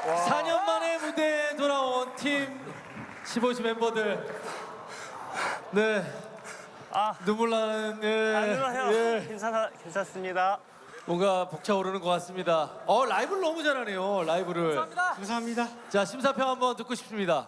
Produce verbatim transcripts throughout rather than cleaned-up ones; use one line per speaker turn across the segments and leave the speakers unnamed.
사 년 만에 무대에 돌아온 팀 십오시 멤버들. 네.
아,
눈물 나는 예.
안 울어요.
예.
괜찮아, 괜찮습니다.
뭔가 벅차오르는 것 같습니다. 어 라이브를 너무 잘하네요. 라이브를.
감사합니다.
감사합니다.
자 심사평 한번 듣고 싶습니다.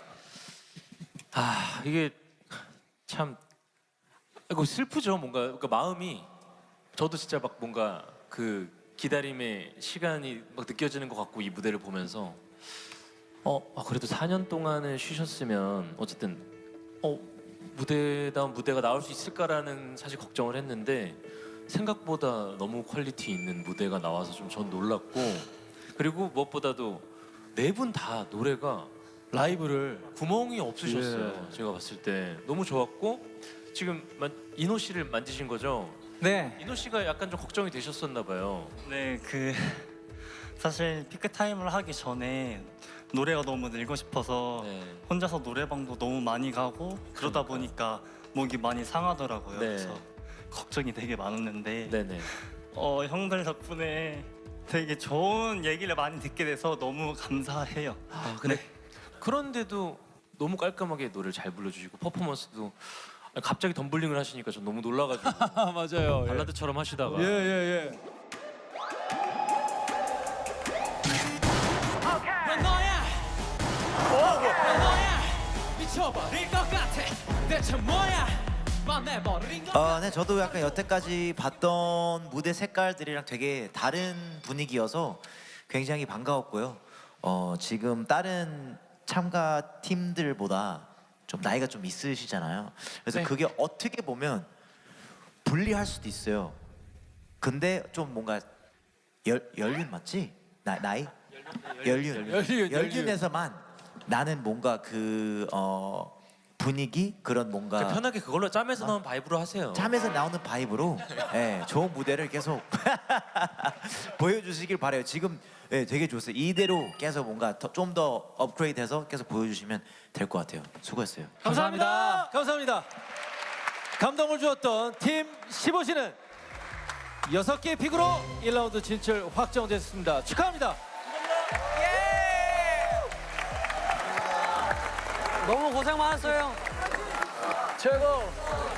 아 이게 참 이거 슬프죠. 뭔가 그러니까 마음이 저도 진짜 막 뭔가 그 기다림의 시간이 막 느껴지는 것 같고 이 무대를 보면서 어 아, 그래도 사 년 동안을 쉬셨으면 어쨌든 어 무대다운 무대가 나올 수 있을까라는 사실 걱정을 했는데 생각보다 너무 퀄리티 있는 무대가 나와서 좀 전 놀랐고 그리고 무엇보다도 네 분 다 노래가
라이브를
구멍이 없으셨어요.
예.
제가 봤을 때 너무 좋았고 지금 만, 이노 씨를 만지신 거죠?
네.
이노 씨가 약간 좀 걱정이 되셨었나 봐요.
네, 그 사실 피크 타임을 하기 전에 노래가 너무 늘고 싶어서
네.
혼자서 노래방도 너무 많이 가고 그러다
그러니까요.
보니까 목이 많이 상하더라고요.
네.
그래서 걱정이 되게 많았는데
네네.
어, 형들 덕분에 되게 좋은 얘기를 많이 듣게 돼서 너무 감사해요.
아 근데 그런데도 너무 깔끔하게 노래를 잘 불러주시고 퍼포먼스도 아니, 갑자기 덤블링을 하시니까 전 너무 놀라가지고
아 맞아요. 예.
발라드처럼 하시다가
예, 예, 예.
난 너야 난 너야 미쳐버릴 것 같아 대체 뭐야 만내버린 것
어, 네, 저도 약간 여태까지 봤던 무대 색깔들이랑 되게 다른 분위기여서 굉장히 반가웠고요. 어, 지금 다른 참가 팀들보다 좀 나이가 좀 있으시잖아요. 그래서
네.
그게 어떻게 보면 불리할 수도 있어요. 근데 좀 뭔가 열, 연륜 맞지? 나, 나이? 연륜.
연륜, 연륜.
연륜에서만 나는 뭔가 그 어, 분위기 그런 뭔가
그러니까 편하게 그걸로 짬에서 나온 바이브로 하세요.
참에서 나오는 바이브로 예, 좋은 무대를 계속 보여주시길 바래요. 지금 예, 되게 좋았어요. 이대로 계속 뭔가 좀 더 업그레이드해서 계속 보여주시면 될 것 같아요. 수고했어요.
감사합니다. 감사합니다. 감동을 주었던 팀 십오시는 여섯 개의 픽으로 일 라운드 진출 확정됐습니다. 축하합니다.
너무 고생 많았어요.
최고.